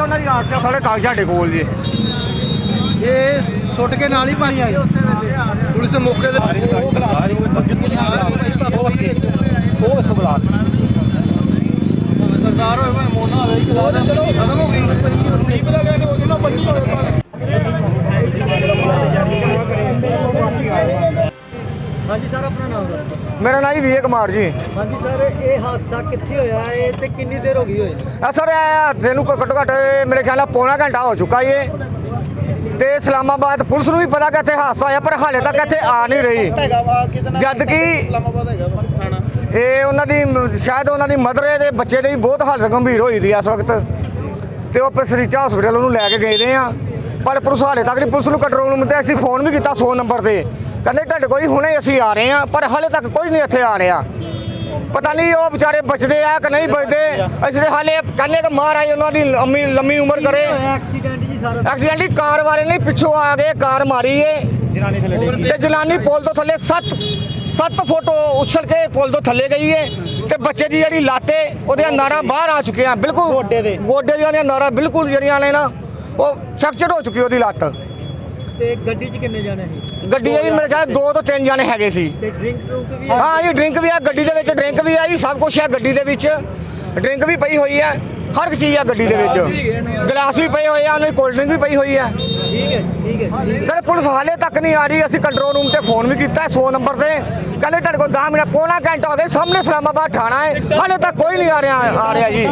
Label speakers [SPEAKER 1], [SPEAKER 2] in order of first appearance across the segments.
[SPEAKER 1] ਉਹਨਾਂ ਦੀ ਆਰਟੀਆ ਸਾਰੇ ਕਾਗਜ਼ ਸਾਡੇ ਕੋਲ ਜੀ।
[SPEAKER 2] ਇਹ ਸੁੱਟ ਕੇ ਨਾਲ ਹੀ ਪਾਣੀ ਆਈ ਉਸੇ ਵੇਲੇ ਪੁਲਿਸ ਦੇ ਮੌਕੇ ਤੇ
[SPEAKER 1] ਉਹ ਇੱਥੋਂ ਬਲਾਸ
[SPEAKER 2] ਸਰਦਾਰ ਹੋਏ ਭਾਵੇਂ ਮੋਨਾ ਹੋਵੇ ਖਤਮ ਹੋ ਗਈ। ਹਾਂਜੀ ਸਰ, ਆਪਣਾ ਨਾਮ ਦੱਸੋ।
[SPEAKER 1] ਮੇਰਾ ਨਾਂ ਜੀ ਵਿਜੇ ਕੁਮਾਰ ਜੀ।
[SPEAKER 2] ਹਾਂਜੀ ਸਰ, ਇਹ ਹਾਦਸਾ ਕਿੱਥੇ ਹੋਇਆ ਹੈ ਤੇ ਕਿੰਨੀ ਦੇਰ ਹੋ ਗਈ ਹੋਏ?
[SPEAKER 1] ਸਰ ਇਹ ਹਾਦਸੇ ਨੂੰ ਘੱਟੋ ਘੱਟ ਮੇਰੇ ਖਿਆਲ ਨਾਲ ਪੌਣਾ ਘੰਟਾ ਹੋ ਚੁੱਕਾ ਜੀ। ਤੇ ਇਸਲਾਮਾਬਾਦ ਪੁਲਿਸ ਨੂੰ ਵੀ ਪਤਾ ਕਿ ਇੱਥੇ ਹਾਦਸਾ ਹੋਇਆ, ਪਰ ਹਾਲੇ ਤੱਕ ਇੱਥੇ ਆ ਨਹੀਂ ਰਹੀ। ਜਦ ਕਿ ਇਹ ਉਹਨਾਂ ਦੀ ਸ਼ਾਇਦ ਉਹਨਾਂ ਦੀ ਮਦਰ ਦੇ ਬੱਚੇ ਦੇ ਵੀ ਬਹੁਤ ਹਾਲਤ ਗੰਭੀਰ ਹੋਈ ਦੀ ਇਸ ਵਕਤ, ਤੇ ਉਹ ਪਸਰੀਚਾ ਹਸਪੀਟਲ ਉਹਨੂੰ ਲੈ ਕੇ ਗਏ ਦੇ ਆ, ਪਰ ਪੁਲਿਸ ਹਾਲੇ ਤੱਕ ਨਹੀਂ। ਪੁਲਿਸ ਨੂੰ ਕੰਟਰੋਲ ਰੂਮ ਤੇ ਅਸੀਂ ਫੋਨ ਵੀ ਕੀਤਾ 100 ਨੰਬਰ ਤੇ, ਕਹਿੰਦੇ ਤੁਹਾਡੇ ਕੋਈ ਹੁਣੇ ਅਸੀਂ ਆ ਰਹੇ ਹਾਂ, ਪਰ ਹਾਲੇ ਤੱਕ ਕੋਈ ਨਹੀਂ ਇੱਥੇ ਆ ਰਿਹਾ। ਪਤਾ ਨਹੀਂ ਉਹ ਵਿਚਾਰੇ ਬਚਦੇ ਆ ਕਿ ਨਹੀਂ ਬਚਦੇ। ਅਸੀਂ ਤੇ ਹਾਲੇ ਕਹਿੰਦੇ ਕਿ ਮਹਾਰਾਜ ਉਹਨਾਂ ਦੀ ਲੰਮੀ ਉਮਰ ਕਰੇ।
[SPEAKER 2] ਐਕਸੀਡੈਂਟ ਜੀ ਸਾਰਾ?
[SPEAKER 1] ਐਕਸੀਡੈਂਟ ਹੀ ਕਾਰ ਵਾਲੇ ਨੇ ਪਿੱਛੋਂ ਆ ਗਏ, ਕਾਰ ਮਾਰੀ ਏ ਤੇ ਜਲਾਨੀ ਪੁਲ ਤੋਂ ਥੱਲੇ 7 ਫੁੱਟ ਉਛਲ ਕੇ ਪੁਲ ਤੋਂ ਥੱਲੇ ਗਈ ਏ, ਤੇ ਬੱਚੇ ਦੀ ਜਿਹੜੀ ਲਾਤੇ ਉਹਦੀਆਂ ਨਾੜਾਂ ਬਾਹਰ ਆ ਚੁੱਕੀਆਂ ਬਿਲਕੁਲ, ਗੋਡੇ ਦੀਆਂ ਨਾੜਾਂ ਬਿਲਕੁਲ ਜਿਹੜੀਆਂ ਨੇ ਨਾ ਉਹ ਫ੍ਰੈਕਚਰ ਹੋ ਚੁੱਕੀ ਉਹਦੀ ਲੱਤ।
[SPEAKER 2] ਤੇ ਗੱਡੀ 'ਚ ਕਿੰਨੇ ਜਾਣੇ ਸੀ?
[SPEAKER 1] ਗੱਡੀ ਇਹ ਮੇਰੇ ਖਿਆਲ 2 ਤੋਂ 3 ਜਾਣੇ ਹੈਗੇ ਸੀ।
[SPEAKER 2] ਤੇ ਡਰਿੰਕ ਵੀ?
[SPEAKER 1] ਹਾਂ ਜੀ, ਡਰਿੰਕ ਵੀ ਆ ਗੱਡੀ ਦੇ ਵਿੱਚ, ਡਰਿੰਕ ਵੀ ਆਈ, ਸਭ ਕੁਝ ਹੈ ਗੱਡੀ ਦੇ ਵਿੱਚ। ਡਰਿੰਕ ਵੀ ਪਈ ਹੋਈ ਹੈ, ਹਰ ਇੱਕ ਚੀਜ਼ ਆ ਗੱਡੀ ਦੇ ਵਿੱਚ, ਗਲਾਸ ਵੀ ਪਏ ਹੋਏ ਆ, ਉਹਨਾਂ ਦੀ ਕੋਲਡ ਡਰਿੰਕ ਵੀ ਪਈ ਹੋਈ ਹੈ।
[SPEAKER 2] ਠੀਕ ਹੈ।
[SPEAKER 1] ਸਰ ਪੁਲਿਸ ਹਾਲੇ ਤੱਕ ਨਹੀਂ ਆ ਰਹੀ। ਅਸੀਂ ਕੰਟਰੋਲ ਰੂਮ ਤੇ ਫੋਨ ਵੀ ਕੀਤਾ 100 ਨੰਬਰ ਤੇ, ਕਹਿੰਦੇ ਤੁਹਾਡੇ ਕੋਲ 10 ਮਿੰਟ ਪੌਣਾ ਘੰਟਾ ਹੋ ਗਿਆ, ਸਾਹਮਣੇ ਇਸਲਾਮਾਬਾਦ ਥਾਣਾ ਹੈ, ਹਾਲੇ ਤੱਕ ਕੋਈ ਨਹੀਂ ਆ ਰਿਹਾ ਜੀ।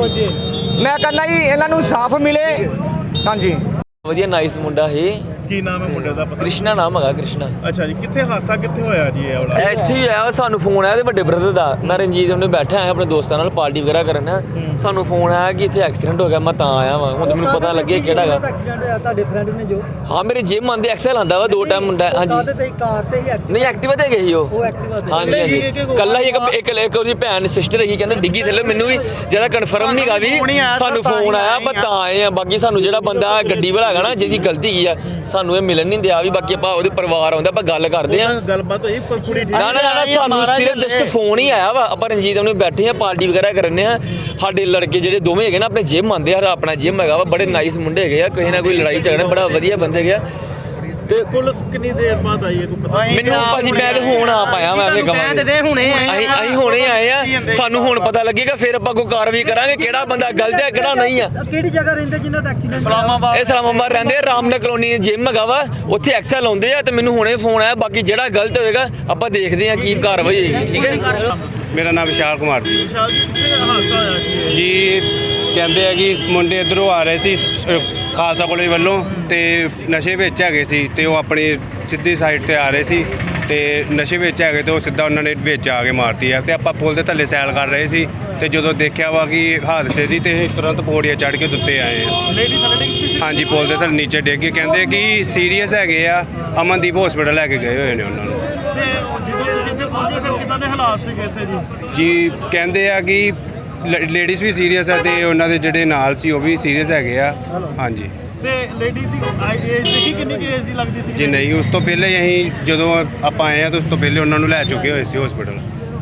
[SPEAKER 1] ਮੈਂ ਕਹਿੰਦਾ ਜੀ ਇਹਨਾਂ ਨੂੰ ਇਨਸਾਫ ਮਿਲੇ। ਹਾਂਜੀ,
[SPEAKER 3] ਵਧੀਆ ਨਾਈਸ ਮੁੰਡਾ ਹੈ।
[SPEAKER 4] ਕੀ ਨਾਮ ਹੈ ਮੁੰਡੇ ਦਾ? ਪਤਾ
[SPEAKER 3] ਕ੍ਰਿਸ਼ਨਾ ਨਾਮ ਹੈਗਾ, ਕ੍ਰਿਸ਼ਨਾ।
[SPEAKER 4] ਅੱਛਾ ਜੀ, ਕਿੱਥੇ ਹਾਦਸਾ ਕਿੱਥੇ ਹੋਇਆ ਜੀ ਇਹ ਵਾਲਾ?
[SPEAKER 3] ਇੱਥੇ ਹੀ ਆਇਆ, ਸਾਨੂੰ ਫੋਨ ਆਇਆ ਤੇ ਵੱਡੇ ਬ੍ਰਦਰ ਦਾ। ਮੈਂ ਰਣਜੀਤ ਉਹਨੇ ਬੈਠਾ ਆਇਆ ਆਪਣੇ ਦੋਸਤਾਂ ਨਾਲ ਪਾਰਟੀ ਵਗੈਰਾ ਕਰਨ। ਸਾਨੂੰ ਫੋਨ ਆਇਆ ਕਿ ਇੱਥੇ ਐਕਸੀਡੈਂਟ ਹੋ ਗਿਆ, ਮੈਂ ਤਾਂ ਆਇਆ ਵਾਂ। ਹੁਣ ਮੈਨੂੰ ਪਤਾ ਲੱਗਿਆ ਕਿਹੜਾ ਹੈਗਾ।
[SPEAKER 2] ਐਕਸੀਡੈਂਟ ਹੋਇਆ ਤੁਹਾਡੇ ਫਰੈਂਡ ਨੇ ਜੋ?
[SPEAKER 3] ਹਾਂ, ਮੇਰੇ ਜਿਮ ਆਂਦੇ ਐਕਸਲ ਆਂਦਾ ਵਾ 2 ਟਾਈਮ ਮੁੰਡਾ। ਹਾਂਜੀ,
[SPEAKER 2] ਤੇ ਕਾਰ ਤੇ ਹੀ?
[SPEAKER 3] ਨਹੀਂ ਐਕਟਿਵਾ ਤੇ ਗਈ ਉਹ
[SPEAKER 2] ਐਕਟਿਵਾ ਤੇ?
[SPEAKER 3] ਹਾਂਜੀ ਕੱਲਾ ਹੀ ਇੱਕ ਉਹਦੀ ਭੈਣ ਸਿਸਟਰ ਹੈਗੀ, ਕਹਿੰਦੇ ਡਿੱਗੀ ਥੱਲੇ। ਮੈਨੂੰ ਵੀ ਜਿਆਦਾ ਕਨਫਰਮ ਨਹੀਂ ਗਾ ਵੀ, ਸਾਨੂੰ ਫੋਨ ਆਇਆ ਪਰ ਤਾਂ ਆਏ ਆ। ਬਾਕੀ ਸਾਨੂੰ ਜਿਹੜਾ ਬੰਦਾ ਗੱਡੀ ਵਾਲਾ ਹੈਗਾ ਨਾ, ਜਿਹਦੀ ਗਲਤੀ ਕੀ ਆ, ਸਾਨੂੰ ਇਹ ਮਿਲਣ ਨਹੀਂ ਦਿਆ ਵੀ। ਬਾਕੀ ਆਪਾਂ ਉਹਦੇ ਪਰਿਵਾਰ ਆਉਂਦਾ, ਆਪਾਂ ਗੱਲ ਕਰਦੇ ਆ।
[SPEAKER 4] ਗੱਲਬਾਤ ਹੋਈ ਕੁੜੀ
[SPEAKER 3] ਨਾ ਸਾਨੂੰ ਸਿਰਫ ਜਸਟ ਫੋਨ ਹੀ ਆਇਆ ਵਾ। ਆਪਾਂ ਰਣਜੀਤ ਉਹਨੇ ਬੈਠੇ ਆ, ਪਾਰਟੀ ਵਗੈਰਾ ਕਰਨੇ ਆ। ਸਾਡੇ ਲੜਕੇ ਜਿਹੜੇ ਦੋਵੇਂ ਹੈਗੇ ਨਾ, ਆਪਣੇ ਜਿਮ ਆਉਂਦੇ ਆ, ਆਪਣਾ ਜਿਮ ਹੈਗਾ ਵਾ। ਬੜੇ ਨਾਈਸ ਮੁੰਡੇ ਹੈਗੇ ਆ, ਕਿਸੇ ਨਾ ਕੋਈ ਲੜਾਈ ਝਗੜਾ, ਬੜਾ ਵਧੀਆ ਬੰਦੇ ਹੈਗੇ ਆ।
[SPEAKER 4] ਤੇ ਪੁਲਿਸ ਕਿੰਨੀ ਦੇਰ ਬਾਅਦ ਆਈ ਹੈ ਕੋਈ ਪਤਾ?
[SPEAKER 3] ਮੈਨੂੰ ਭਾਜੀ ਮੈਂ ਤੇ ਹੁਣ ਆ ਪਾਇਆ, ਮੈਂ ਆਪਣੀ ਕਮਾਂ ਅਸੀਂ ਹੁਣੇ ਆਏ ਆ। ਸਾਨੂੰ ਹੁਣ ਪਤਾ ਲੱਗੇਗਾ, ਫਿਰ ਆਪਾਂ ਕੋਈ ਕਾਰਵਾਈ ਕਰਾਂਗੇ, ਕਿਹੜਾ ਬੰਦਾ ਗਲਤ ਹੈ ਕਿਹੜਾ ਨਹੀਂ ਆ।
[SPEAKER 2] ਕਿਹੜੀ ਜਗ੍ਹਾ ਰਹਿੰਦੇ ਜਿਨ੍ਹਾਂ ਦਾ ਐਕਸੀਡੈਂਟ?
[SPEAKER 3] ਇਹ ਇਸਲਾਮਾਬਾਦ ਰਹਿੰਦੇ ਆ, ਰਾਮਨਗਰ ਕਲੋਨੀ ਜਿਮ ਹੈਗਾ ਵਾ, ਉੱਥੇ ਐਕਸਲ ਆਉਂਦੇ ਆ। ਤੇ ਮੈਨੂੰ ਹੁਣੇ ਫੋਨ ਆਇਆ, ਬਾਕੀ ਜਿਹੜਾ ਗਲਤ ਹੋਏਗਾ ਆਪਾਂ ਦੇਖਦੇ ਆ ਕੀ ਕਾਰਵਾਈ ਹੋਏਗੀ। ਠੀਕ ਹੈ।
[SPEAKER 5] ਮੇਰਾ ਨਾਮ ਵਿਸ਼ਾਲ ਕੁਮਾਰ ਜੀ।
[SPEAKER 4] ਵਿਸ਼ਾਲ ਜੀ, ਕਿੱਥੇ ਹਾਦਸਾ ਹੋਇਆ
[SPEAKER 5] ਜੀ ਕਹਿੰਦੇ ਆ ਕਿ ਮੁੰਡੇ ਇੱਧਰੋਂ ਆ ਰਹੇ ਸੀ ਖਾਲਸਾ ਕਾਲਜ ਵੱਲੋਂ, ਤੇ ਨਸ਼ੇ ਵਿੱਚ ਹੈਗੇ ਸੀ, ਤੇ ਉਹ ਆਪਣੀ ਸਿੱਧੀ ਸਾਈਡ ਤੇ ਆ ਰਹੇ ਸੀ, ਤੇ ਨਸ਼ੇ ਵਿੱਚ ਹੈਗੇ ਤੇ ਉਹ ਸਿੱਧਾ ਉਹਨਾਂ ਨੇ ਵਿੱਚ ਆ ਕੇ ਮਾਰਤੀ ਆ। ਤੇ ਆਪਾਂ ਪੁਲ ਦੇ ਥੱਲੇ ਸੈਲ ਕਰ ਰਹੇ ਸੀ, ਤੇ ਜਦੋਂ ਦੇਖਿਆ ਵਾ ਕਿ ਹਾਦਸੇ ਦੀ, ਤੇ ਤੁਰੰਤ ਪੌੜੀਆਂ ਚੜ੍ਹ ਕੇ ਉੱਤੇ ਆਏ ਆ।
[SPEAKER 4] ਲੇਡੀ ਥੱਲੇ ਡਿੱਗੀ ਸੀ?
[SPEAKER 5] ਹਾਂਜੀ, ਪੁਲ ਦੇ ਥੱਲੇ ਨੀਚੇ ਡਿੱਗ ਕੇ, ਕਹਿੰਦੇ ਕਿ ਸੀਰੀਅਸ ਹੈਗੇ ਆ, ਅਮਨਦੀਪ ਹਸਪੀਟਲ ਲੈ ਕੇ ਗਏ ਹੋਏ ਨੇ ਉਹਨਾਂ ਨੂੰ।
[SPEAKER 4] ਤੇ ਜਦੋਂ ਤੁਸੀਂ ਇੱਥੇ ਪਹੁੰਚੇ ਫਿਰ ਕਿੱਦਾਂ ਦੇ ਹਾਲਾਤ ਸੀਗੇ ਇੱਥੇ
[SPEAKER 5] ਜੀ ਕਹਿੰਦੇ ਆ ਕਿ ਲੇਡੀਜ਼ ਵੀ ਸੀਰੀਅਸ ਹੈ, ਤੇ ਉਹਨਾਂ ਦੇ ਜਿਹੜੇ ਨਾਲ ਸੀ ਉਹ ਵੀ ਸੀਰੀਅਸ ਹੈਗੇ ਆ। ਹਾਂਜੀ।
[SPEAKER 4] ਤੇ ਲੇਡੀ ਦੀ ਏਜ ਦੇਖੀ ਕਿੰਨੀ ਕੀ ਏਜ ਦੀ ਲੱਗਦੀ ਸੀ?
[SPEAKER 5] ਜੀ ਨਹੀਂ, ਉਸ ਤੋਂ ਪਹਿਲੇ ਹੀ ਅਸੀਂ ਜਦੋਂ ਆਪਾਂ ਆਏ ਆ ਤਾਂ ਉਸ ਤੋਂ ਪਹਿਲੇ ਉਹਨਾਂ ਨੂੰ ਲੈ ਚੁੱਕੇ ਹੋਏ ਸੀ ਹਸਪੀਟਲ।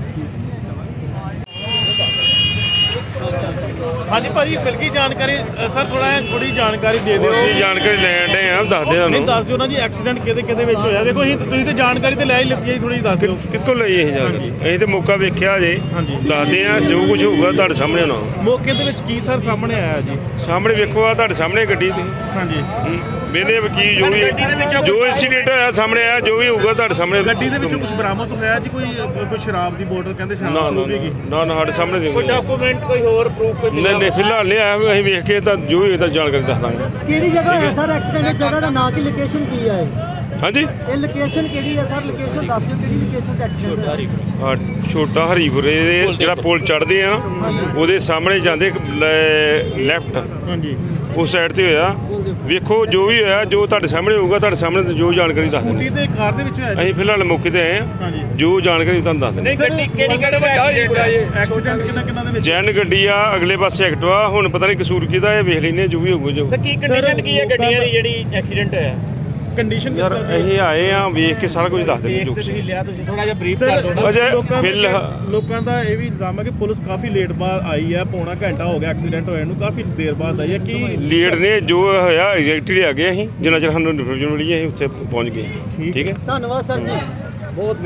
[SPEAKER 4] ਹਾਂਜੀ ਭਾਜੀ, ਮਿਲ ਗਈ ਜਾਣਕਾਰੀ ਸਰ? ਥੋੜੀ ਜਾਣਕਾਰੀ ਦੇ ਦਿਓ।
[SPEAKER 5] ਅਸੀਂ ਜਾਣਕਾਰੀ ਲੈਣ ਦੇ ਆ, ਦੱਸ ਦਿਓ
[SPEAKER 4] ਨਹੀਂ ਦੱਸ ਦਿਓ ਨਾ ਜੀ, ਐਕਸੀਡੈਂਟ ਕਿਹਦੇ ਵਿੱਚ ਹੋਇਆ? ਦੇਖੋ ਤੁਸੀਂ ਤੇ ਜਾਣਕਾਰੀ ਤੇ ਲੈ ਹੀ ਲਿੱਤੀ ਹੈ, ਥੋੜੀ ਦੱਸ ਦਿਓ।
[SPEAKER 5] ਕਿਸ ਕੋਲ ਲਈ ਇਹ ਜਾਣਕਾਰੀ? ਅਸੀਂ ਤੇ ਮੌਕਾ ਵੇਖਿਆ ਜੇ, ਦੱਸਦੇ ਆ ਜੋ ਕੁਝ ਹੋਊਗਾ ਤੁਹਾਡੇ ਸਾਹਮਣੇ ਹੋਣਾ।
[SPEAKER 4] ਮੌਕੇ ਦੇ ਵਿੱਚ ਕੀ ਸਰ ਸਾਹਮਣੇ ਆਇਆ ਜੀ?
[SPEAKER 5] ਸਾਹਮਣੇ ਵੇਖੋ, ਆ ਤੁਹਾਡੇ ਸਾਹਮਣੇ ਗੱਡੀ ਤੇ।
[SPEAKER 4] ਹਾਂਜੀ।
[SPEAKER 5] ਵੇਲੇ ਵਕੀਲ ਜੋ ਵੀ ਜੋ ਇਨਸੀਡੈਂਟ ਹੋਇਆ ਸਾਹਮਣੇ ਆਇਆ, ਜੋ ਵੀ ਹੋਊਗਾ ਤੁਹਾਡੇ ਸਾਹਮਣੇ।
[SPEAKER 4] ਗੱਡੀ ਦੇ ਵਿੱਚੋਂ ਕੁਝ ਬਰਾਮਦ ਹੋਇਆ ਜੀ? ਕੋਈ ਸ਼ਰਾਬ ਦੀ ਬੋਤਲ ਕਹਿੰਦੇ ਸ਼ਰਾਬ ਹੋਵੇਗੀ?
[SPEAKER 5] ਨਾ ਸਾਡੇ ਸਾਹਮਣੇ
[SPEAKER 4] ਕੋਈ ਡਾਕੂਮੈਂਟ ਕੋਈ ਹੋਰ ਪ੍ਰੂਫ?
[SPEAKER 5] ਨਹੀਂ ਫਿਲਹਾਲ ਨਹੀਂ ਆਇਆ, ਅਸੀਂ ਵੇਖ ਕੇ ਤਾਂ ਜੋ ਵੀ ਇਹਦਾ ਜਾਣਕਾਰੀ ਦੱਸ ਦਾਂਗੇ।
[SPEAKER 2] ਕਿਹੜੀ ਜਗ੍ਹਾ ਹੈ ਸਰ ਐਕਸੀਡੈਂਟ? ਜਗ੍ਹਾ ਦਾ ਨਾਂ ਕੀ, ਲੋਕੇਸ਼ਨ ਕੀ ਹੈ?
[SPEAKER 5] ਹਾਂਜੀ,
[SPEAKER 2] ਇਹ ਲੋਕੇਸ਼ਨ ਕਿਹੜੀ ਹੈ ਸਰ? ਲੋਕੇਸ਼ਨ ਦੱਸ ਦਿਓ, ਕਿਹੜੀ ਲੋਕੇਸ਼ਨ ਤੇ ਐਕਸੀਡੈਂਟ ਹੋਇਆ?
[SPEAKER 5] ਹਾਂ, ਛੋਟਾ ਹਰੀਪੁਰੇ ਦੇ ਜਿਹੜਾ ਪੁਲ ਚੜ੍ਹਦੇ ਆ ਨਾ, ਉਹਦੇ ਸਾਹਮਣੇ ਜਾਂਦੇ ਲੈਫਟ,
[SPEAKER 4] ਹਾਂਜੀ,
[SPEAKER 5] ਉਸ ਸਾਈਡ ਤੇ ਹੋਇਆ। ਵੇਖੋ ਜੋ ਵੀ ਹੋਇਆ, ਜੋ ਤੁਹਾਡੇ ਸਾਹਮਣੇ ਹੋਊਗਾ, ਤੁਹਾਡੇ ਸਾਹਮਣੇ ਜੋ ਜਾਣਕਾਰੀ ਦੱਸ ਦਿੰਦੇ।
[SPEAKER 4] ਸਕੂਟੀ ਤੇ ਕਾਰ ਦੇ ਵਿੱਚ ਹੋਇਆ ਜੀ?
[SPEAKER 5] ਅਸੀਂ ਫਿਲਹਾਲ ਮੌਕੇ ਤੇ ਆਏ ਹਾਂ, ਜੋ ਜਾਣਕਾਰੀ ਤੁਹਾਨੂੰ ਦੱਸ ਦਿੰਦੇ।
[SPEAKER 4] ਗੱਡੀ ਕਿਹੜੀ ਐਕਸੀਡੈਂਟ ਕਿੰਨਾ ਦੇ ਵਿੱਚ?
[SPEAKER 5] ਜੈਨ ਗੱਡੀ ਆ, ਅਗਲੇ ਪਾਸੇ ਐਕਟਿਵਾ। ਹੁਣ ਪਤਾ ਨਹੀਂ ਕਸੂਰ ਕਿਹਦਾ, ਇਹ ਵੇਖ ਲੈਂਦੇ ਜੋ ਵੀ ਹੋਊਗਾ। ਜੋ
[SPEAKER 4] ਕੀ ਕੰਡੀਸ਼ਨ ਕੀ ਹੈ ਗੱਡੀਆਂ ਦੀ ਜਿਹੜੀ ਐਕਸੀਡੈਂਟ ਹੋਇਆ? ਕੰਡੀਸ਼ਨ
[SPEAKER 6] ਯਾਰ ਅਸੀਂ ਆਏ ਆ ਵੇਖ ਕੇ ਸਾਰਾ ਕੁਝ ਦੱਸ ਦਿੰਦੇ ਜੋ
[SPEAKER 4] ਤੁਸੀਂ ਲਿਆ ਤੁਸੀਂ ਥੋੜਾ ਜਿਹਾ ਬਰੀਫ ਕਰ ਦਿਓ
[SPEAKER 6] ਅਜੇ
[SPEAKER 4] ਲੋਕਾਂ ਦਾ ਇਹ ਵੀ ਇਲਜ਼ਾਮ ਹੈ ਕਿ ਪੁਲਿਸ ਕਾਫੀ ਲੇਟ ਬਾਅਦ ਆਈ ਹੈ, ਪੌਣਾ ਘੰਟਾ ਹੋ ਗਿਆ ਐਕਸੀਡੈਂਟ ਹੋਇਆ ਨੂੰ, ਕਾਫੀ ਦੇਰ ਬਾਅਦ ਆਈ ਹੈ। ਕੀ
[SPEAKER 6] ਲੀਡ ਨੇ ਜੋ ਹੋਇਆ ਐਗਜ਼ੈਕਟਲੀ ਆ ਗਏ ਅਸੀਂ ਜਿੰਨਾ ਚਿਰ ਸਾਨੂੰ ਇਨਫੋਰਮੇਸ਼ਨ ਮਿਲੀ ਅਸੀਂ ਉੱਥੇ ਪਹੁੰਚ ਗਏ। ਠੀਕ ਹੈ।
[SPEAKER 2] ਧੰਨਵਾਦ ਸਰ ਜੀ ਬਹੁਤ